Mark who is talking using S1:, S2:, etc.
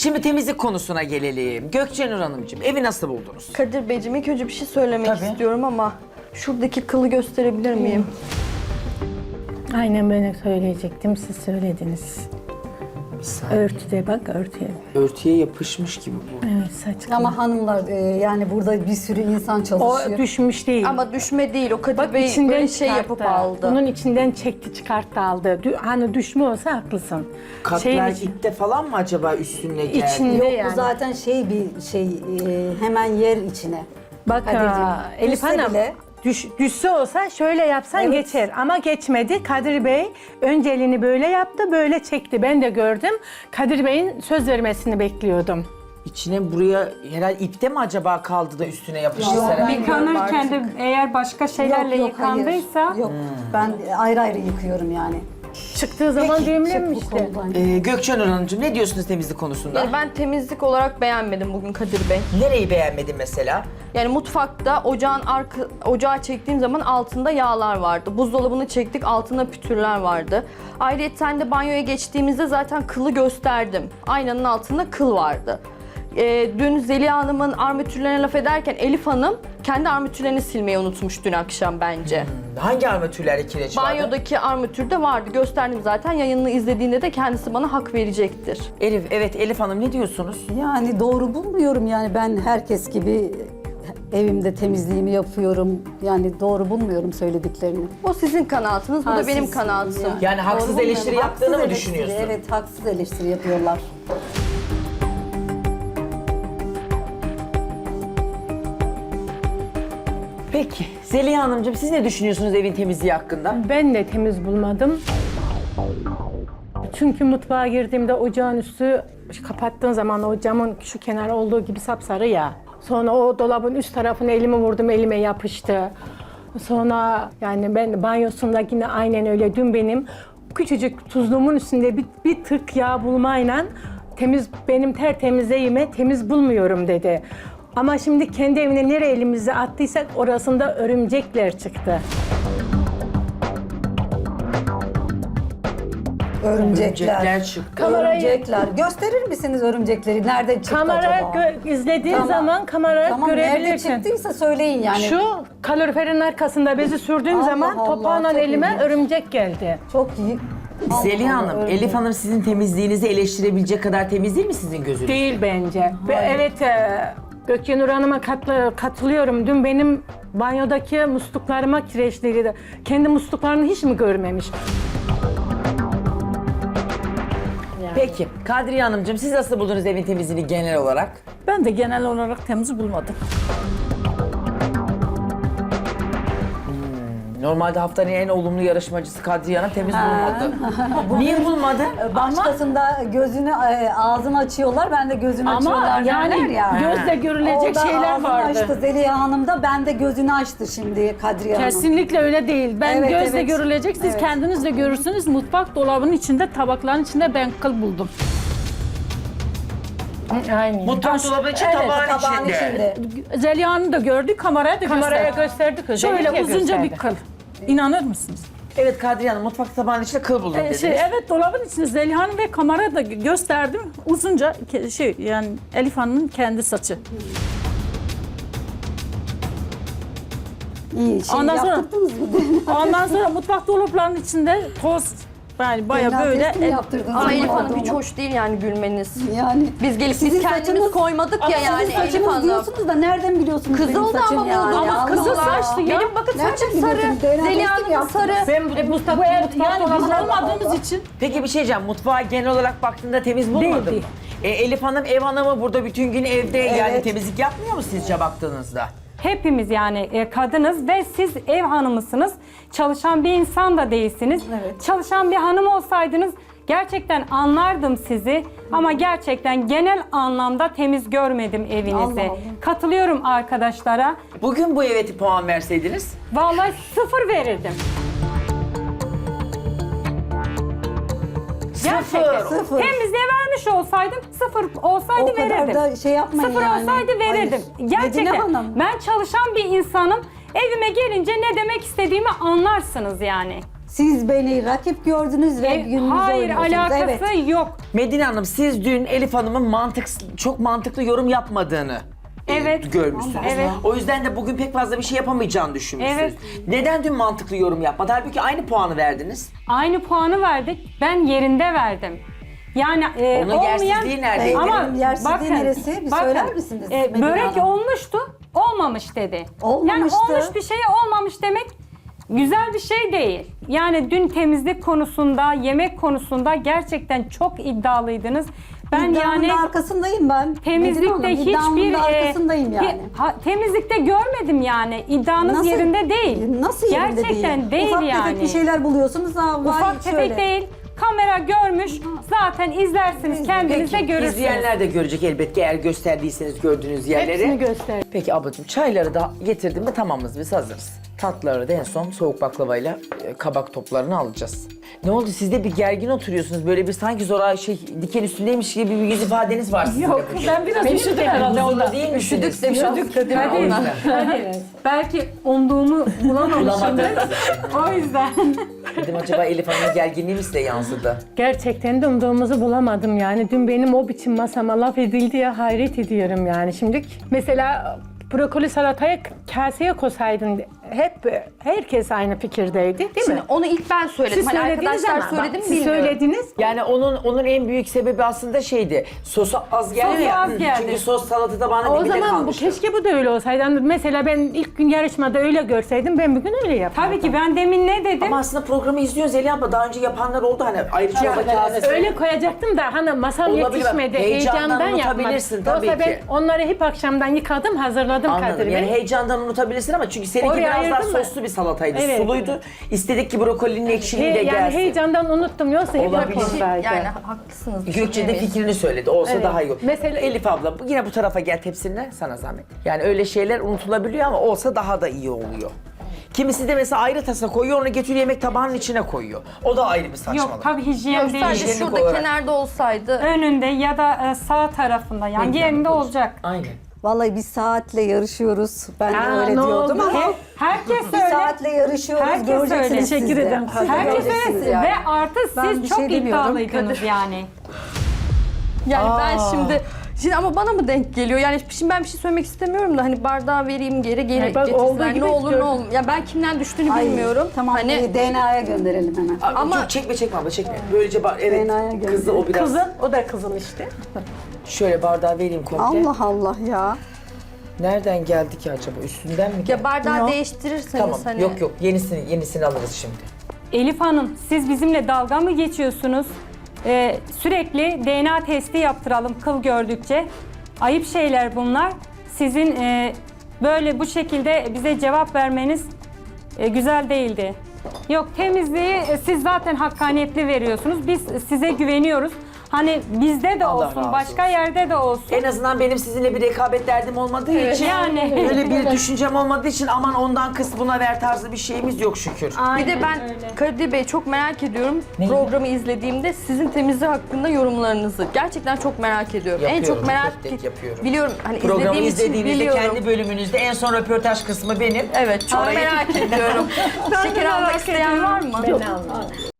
S1: Şimdi temizlik konusuna gelelim. Gökçenur Hanımcığım evi nasıl buldunuz?
S2: Kadir Beyciğim ilk önce bir şey söylemek
S1: Tabii.
S2: istiyorum ama şuradaki kılı gösterebilir miyim?
S3: Aynen ben de söyleyecektim, siz söylediniz. Örtüde bak, örtüye.
S1: Örtüye yapışmış gibi bu.
S3: Evet, saç.
S4: Ama hanımlar yani burada bir sürü insan
S3: O
S4: çalışıyor.
S3: düşmüş değil.
S2: Ama düşme değil, o Kadir
S3: Bak
S2: Bey
S3: içinden
S2: böyle şey
S3: çıkarttı.
S2: yapıp aldı.
S3: Bunun içinden çekti, çıkarttı, aldı. Hani düşme olsa haklısın.
S1: Katmer
S3: için-
S1: ipte falan mı acaba üstüne geldi?
S3: İçinde
S4: Yok
S3: yani.
S4: bu zaten bir şey hemen yer içine.
S3: Bak
S4: Kadir'cim,
S3: Elif
S4: düşse
S3: Hanım,
S4: bile-
S3: düşse olsa şöyle yapsan
S4: Evet.
S3: geçer. Ama geçmedi. Kadir Bey önce elini böyle yaptı, böyle çekti. Ben de gördüm. Kadir Bey'in söz vermesini bekliyordum.
S1: İçine buraya herhalde ipte mi acaba kaldı da üstüne yapıştı
S4: Yok,
S1: Serap?
S4: ben-
S5: Yıkanırken de eğer başka şeylerle
S4: hayır.
S5: yıkandıysa
S4: Yok ben ayrı ayrı yıkıyorum yani.
S3: Çıktığı zaman
S4: Çık bu
S3: düğümlenmişti.
S4: koldan.
S1: Gökçenur Hanımcığım ne diyorsunuz temizlik konusunda?
S2: Yani ben temizlik olarak beğenmedim bugün Kadir Bey.
S1: Nereyi beğenmedin mesela?
S2: Yani mutfakta ocağı çektiğim zaman altında yağlar vardı. Buzdolabını çektik, altında pütürler vardı. Ayrıca de banyoya geçtiğimizde zaten kılı gösterdim. Aynanın altında kıl vardı. Dün Zeliha Hanım'ın armatürlerine laf ederken Elif Hanım kendi armatürlerini silmeyi unutmuş dün akşam bence.
S1: Hangi armatürlerde kireç vardı?
S2: Banyodaki armatürde vardı. Gösterdim zaten. Yayınını izlediğinde de kendisi bana hak verecektir.
S1: Elif Hanım ne diyorsunuz?
S4: Yani doğru bulmuyorum yani ben herkes gibi evimde temizliğimi yapıyorum. Yani doğru bulmuyorum söylediklerini.
S2: O sizin kanaatınız, bu da benim
S4: Siz-
S2: kanaatim.
S1: Yani haksız
S4: Doğru
S1: eleştiri
S4: bulmuyorum.
S1: yaptığını mı
S4: Haksız eleştiri,
S1: düşünüyorsun?
S4: Evet haksız eleştiri yapıyorlar.
S1: Peki Zeliha Hanımcığım siz ne düşünüyorsunuz evin temizliği hakkında?
S3: Ben de temiz bulmadım. Çünkü mutfağa girdiğimde ocağın üstü kapattığın zaman o camın şu kenar olduğu gibi sapsarı ya. Sonra o dolabın üst tarafına elimi vurdum, elime yapıştı. Sonra yani ben banyosunda yine aynen öyle. Dün benim küçücük tuzluğumun üstünde bir tık yağ bulmayla benim tertemizliğime temiz bulmuyorum dedi. Ama şimdi kendi evine nereye elimizi attıysak orasında örümcekler çıktı.
S1: Örümcekler çıktı.
S4: Örümcekler. Gösterir misiniz örümcekleri? Nereden çıktı
S3: Kamera
S4: acaba?
S3: izlediğin
S4: Tamam.
S3: zaman kamera
S4: Tamam nerede
S3: görebilirsin.
S4: çıktıysa söyleyin yani.
S3: Şu kaloriferin arkasında bezi sürdüğüm
S4: Allah
S3: zaman
S4: Allah,
S3: topağla
S4: çok
S3: elime
S4: ilginç.
S3: örümcek geldi.
S4: Çok iyi.
S1: Zeliha
S4: Allah,
S1: Hanım,
S4: öyle.
S1: Elif Hanım sizin temizliğinizi eleştirebilecek kadar temiz değil mi sizin gözünüzde?
S3: Değil bence. Ve evet Gökyenur Hanım'a katılıyorum. Dün benim banyodaki musluklarıma kireçliydi. Kendi musluklarını hiç mi görmemiş?
S1: Peki Kadriye Hanımcığım siz nasıl buldunuz evin temizliğini genel olarak?
S6: Ben de genel olarak temiz bulmadım.
S1: Normalde haftanın en olumlu yarışmacısı Kadriye Hanım temiz bulmadı. Niye bulmadı?
S4: Başkasında gözünü, ağzını açıyorlar, ben de gözünü
S3: Ama
S4: açıyorlar
S3: yani
S4: derler ya.
S3: gözle görülecek
S4: Orada
S3: şeyler
S4: ağzını
S3: vardı.
S4: açtı Zeliha Hanım da, ben de gözünü açtı şimdi Kadriye Hanım.
S6: Kesinlikle öyle değil. Ben
S4: Evet,
S6: gözle
S4: evet.
S6: görülecek, siz
S4: Evet.
S6: kendiniz de görürsünüz. Mutfak dolabının içinde, tabakların içinde ben kıl buldum.
S3: Aynen.
S1: Mutfak dolabı için
S6: Evet,
S1: tabağın
S4: Tabağın
S1: içinde.
S4: içinde.
S6: Zeliha'nı da gördük, kameraya da
S3: Kameraya
S6: gösterdik.
S3: gösterdik özellikle
S6: Şöyle uzunca bir
S3: gösterdi.
S6: kıl. İnanır mısınız?
S1: Evet Kadriye Hanım mutfak tabağının içinde kıl buldum dediniz.
S6: Evet, dolabın içinde Zeliha'nın ve kameraya da gösterdim. Uzunca yani Elif Hanım'ın kendi saçı.
S4: İyi şey
S6: Ondan sonra-
S4: yaptırdınız mı?
S6: Ondan sonra mutfak dolaplarının içinde toz, yani baya
S4: Genel
S6: böyle
S4: test mi yaptırdınız?
S2: Ama Elif Hanım
S4: Pardon.
S2: hiç hoş değil yani gülmeniz.
S4: Yani
S2: Biz gelip
S4: Sizin
S2: biz kendimiz
S4: saçınız-
S2: koymadık ya yani
S4: sizin
S2: Elif
S4: saçınız
S2: Hanım.
S4: diyorsunuz da nereden biliyorsunuz benim
S2: Kızıldı
S4: saçım
S2: ama
S4: yani?
S2: buldum.
S4: Allah
S6: kızıl
S4: Allah.
S6: saçlı ya.
S2: Benim bakın
S4: Nereden
S2: saçım sarı.
S4: biliyorsunuz? DNA
S2: Zeliha
S4: testi mi
S2: Hanım'ın sarı.
S4: yaptınız?
S3: Ben
S6: bu ev yani biz olmadığımız için
S1: Peki bir şey diyeceğim. Mutfağa genel olarak baktığında temiz bulmadın
S6: Değil,
S1: mı? Elif Hanım ev hanımı burada bütün gün evde yani
S4: Evet.
S1: temizlik yapmıyor mu sizce baktığınızda?
S5: hepimiz yani kadınız ve siz ev hanımısınız. Çalışan bir insan da değilsiniz.
S4: Evet.
S5: Çalışan bir hanım olsaydınız gerçekten anlardım sizi. Ama gerçekten genel anlamda temiz görmedim evinizi.
S4: Allah Allah.
S5: Katılıyorum arkadaşlara.
S1: Bugün bu eve puan verseydiniz?
S5: Vallahi 0 verirdim. Gerçekten.
S4: Sıfır.
S5: Temizliğe vermiş olsaydım 0 olsaydı
S4: O kadar
S5: verirdim.
S4: da şey yapmayın
S5: 0
S4: yani.
S5: olsaydı verirdim.
S4: Hayır.
S5: Gerçekten.
S4: Medine Hanım.
S5: Ben çalışan bir insanım. Evime gelince ne demek istediğimi anlarsınız yani.
S4: Siz beni rakip gördünüz ve gününüzü
S5: Hayır,
S4: oynuyorsunuz.
S5: alakası
S4: Evet.
S5: yok.
S1: Medine Hanım siz dün Elif Hanım'ın çok mantıklı yorum yapmadığını
S5: Evet.
S1: görmüşsünüz.
S5: Evet.
S1: O yüzden de bugün pek fazla bir şey yapamayacağını düşünmüşsünüz.
S5: Evet.
S1: Neden dün mantıklı yorum yapmadı? Halbuki aynı puanı verdiniz.
S5: Aynı puanı verdik. Ben yerinde verdim. Yani
S1: Onun
S5: olmayan...
S1: yersizliği neredeydi?
S5: Ama
S4: Yersizliği neresi? Bir söyler misiniz Medine
S5: börek
S4: Hanım?
S5: olmuştu, olmamış dedi.
S4: Olmamıştı.
S5: Yani olmuş bir şey olmamış demek güzel bir şey değil. Yani dün temizlik konusunda, yemek konusunda gerçekten çok iddialıydınız. Ben
S4: İddiamın
S5: yani
S4: da arkasındayım ben.
S5: temizlikte
S4: Medine Hanım, iddiamın
S5: hiçbir
S4: da arkasındayım yani.
S5: temizlikte görmedim yani. İddianız yerinde değil.
S4: Nasıl yerinde
S5: Gerçekten değil
S4: Ufak
S5: yani.
S4: tefek bir şeyler buluyorsunuz. Ha, vay
S5: Ufak tefek
S4: şöyle.
S5: değil. Kamera görmüş. Zaten izlersiniz, kendiniz de
S1: Peki,
S5: görürsünüz.
S1: izleyenler de görecek elbette eğer gösterdiyseniz gördüğünüz yerleri.
S3: Hepsini göster.
S1: Peki ablacığım çayları da getirdim mi tamamız biz hazırız. Tatlıları da en son soğuk baklavayla kabak toplarını alacağız. Ne oldu siz de bir gergin oturuyorsunuz böyle bir sanki zora diken üstündeymiş gibi bir yüz ifadeniz var sizin de
S6: Yok
S1: bugün.
S6: ben biraz üşüdüm herhalde
S1: Huzurlu
S6: ondan.
S1: değil misiniz?
S2: Üşüdük de biraz
S1: Üşüdük
S2: Kadir
S1: o yüzden.
S5: Belki umduğumu bulamamışımdır.
S1: Bulamadınız.
S5: O yüzden.
S1: Dedim acaba Elif Hanım'ın gerginliği mi size yansıdı?
S3: Gerçekten de umduğumuzu bulamadım yani. Dün benim o biçim masama laf edildi ya hayret ediyorum yani. Şimdi mesela brokoli salataya kaseye koysaydın herkes aynı fikirdeydi değil
S2: Şimdi
S3: mi?
S2: onu ilk ben söyledim.
S3: Siz
S2: Hani
S3: söylediniz
S2: arkadaşlar
S3: ama
S2: söyledi mi
S3: siz
S2: bilmiyorum.
S3: söylediniz.
S1: Yani onun en büyük sebebi aslında şeydi. Sosu az geldi
S5: Sosu
S1: ya.
S5: az geldi.
S1: Çünkü sos salatada bana
S3: O
S1: dibinde
S3: zaman bu
S1: kalmıştı.
S3: keşke bu da öyle olsaydı. Yani mesela ben ilk gün yarışmada öyle görseydim ben bugün öyle yapardım.
S5: Tabii ki ben demin ne dedim?
S1: Ama aslında programı izliyoruz Zeliha abla. Daha önce yapanlar oldu hani ayrı çorba kasesi.
S3: Öyle koyacaktım da hani masam
S1: Olabilir,
S3: yetişmedi.
S1: heyecandan
S3: Heyecandan yapmadım.
S1: unutabilirsin tabii
S3: Yoksa ben
S1: ki.
S3: onları hep akşamdan yıkadım, hazırladım Kadir
S1: Anladım.
S3: Bey.
S1: Yani heyecandan unutabilirsin ama çünkü seninki
S3: Oraya
S1: biraz daha
S3: ayırdın mı?
S1: soslu bir salataydı.
S3: Evet.
S1: Suluydu. İstedik ki brokolinin ekşiliği de
S3: Yani
S1: gelsin.
S3: heyecandan unuttum yoksa hep
S1: Olabilir.
S3: ondaydı.
S2: Yani haklısınız.
S1: Gökçe de
S2: düşünemeyiz.
S1: fikrini söyledi. Olsa
S3: Evet.
S1: daha iyi olur.
S3: Mesela-
S1: Elif abla yine bu tarafa gel tepsinle sana zahmet. Yani öyle şeyler unutulabiliyor ama olsa daha da iyi oluyor. Kimisi de mesela ayrı tasa koyuyor, onu getiriyor yemek tabağının içine koyuyor. O da ayrı bir saçmalık.
S5: Yok tabii hijyen
S2: Yok,
S5: değil.
S2: sadece
S1: Hijyenik
S2: şurada
S1: olarak.
S2: kenarda olsaydı.
S5: Önünde ya da sağ tarafında yani
S1: Ne
S5: yerinde
S1: yani?
S5: olacak.
S1: Aynen.
S4: Vallahi bir saatle yarışıyoruz. Ben de
S3: Aa,
S4: öyle
S3: ne
S4: diyordum
S3: oldu?
S4: ama
S5: Herkes
S4: bir
S5: öyle.
S4: saatle yarışıyoruz.
S5: Herkes
S4: Göreceksiniz
S5: öyle.
S4: siz de.
S6: Teşekkür ederim.
S4: Siz de
S5: Herkes
S4: göreceksiniz
S5: öyle.
S4: yani.
S5: Ve artı
S4: Ben
S5: siz
S4: bir
S5: çok
S4: şey demiyorum.
S5: iddialıydınız yani.
S2: Yani ben şimdi ama bana mı denk geliyor? Yani şimdi ben bir şey söylemek istemiyorum da hani bardağı vereyim geri
S3: Yani bak, olduğu
S2: getirsinler
S3: gibi
S2: ne olur
S3: gördüm.
S2: ne olmaz. Ya ben kimden düştüğünü
S4: Ay,
S2: bilmiyorum.
S4: Tamam
S2: Hani
S4: DNA'ya gönderelim hemen.
S2: Ama-
S1: Çok çekme abla çekme. Böylece evet
S4: Fenaya geldi.
S1: kızı o biraz.
S3: Kızın, o da kızın işte.
S1: Şöyle bardağı vereyim komple.
S4: Allah Allah ya.
S1: Nereden geldi ki acaba? Üstünden mi geldi?
S2: ya bardağı değiştirirseniz
S1: Tamam.
S2: hani.
S1: Yok yenisini alırız şimdi.
S5: Elif Hanım siz bizimle dalga mı geçiyorsunuz? Sürekli DNA testi yaptıralım kıl gördükçe. Ayıp şeyler bunlar. Sizin böyle bu şekilde bize cevap vermeniz güzel değildi. Yok temizliği siz zaten hakkaniyetli veriyorsunuz. Biz size güveniyoruz. Hani bizde de
S1: Allah razı
S5: olsun, başka
S1: olsun.
S5: yerde de olsun.
S1: En azından benim sizinle bir rekabet derdim olmadığı için
S5: yani.
S1: öyle bir düşüncem olmadığı için aman ondan kıs buna ver tarzı bir şeyimiz yok şükür.
S2: Bir de ben Kadir Bey çok merak ediyorum.
S1: Neyi?
S2: Programı izlediğimde sizin temizliği hakkında yorumlarınızı. Gerçekten çok merak ediyorum. En
S1: Yapıyorum,
S2: çok merak
S1: tek tek yapıyorum.
S2: biliyorum. Hani
S1: Programı
S2: izlediğim için
S1: izlediğinizde
S2: biliyorum.
S1: kendi bölümünüzde en son röportaj kısmı benim.
S2: Evet çok
S1: Orayı-
S2: merak ediyorum. Şeker almak isteyen var mı?
S3: Ben almadım.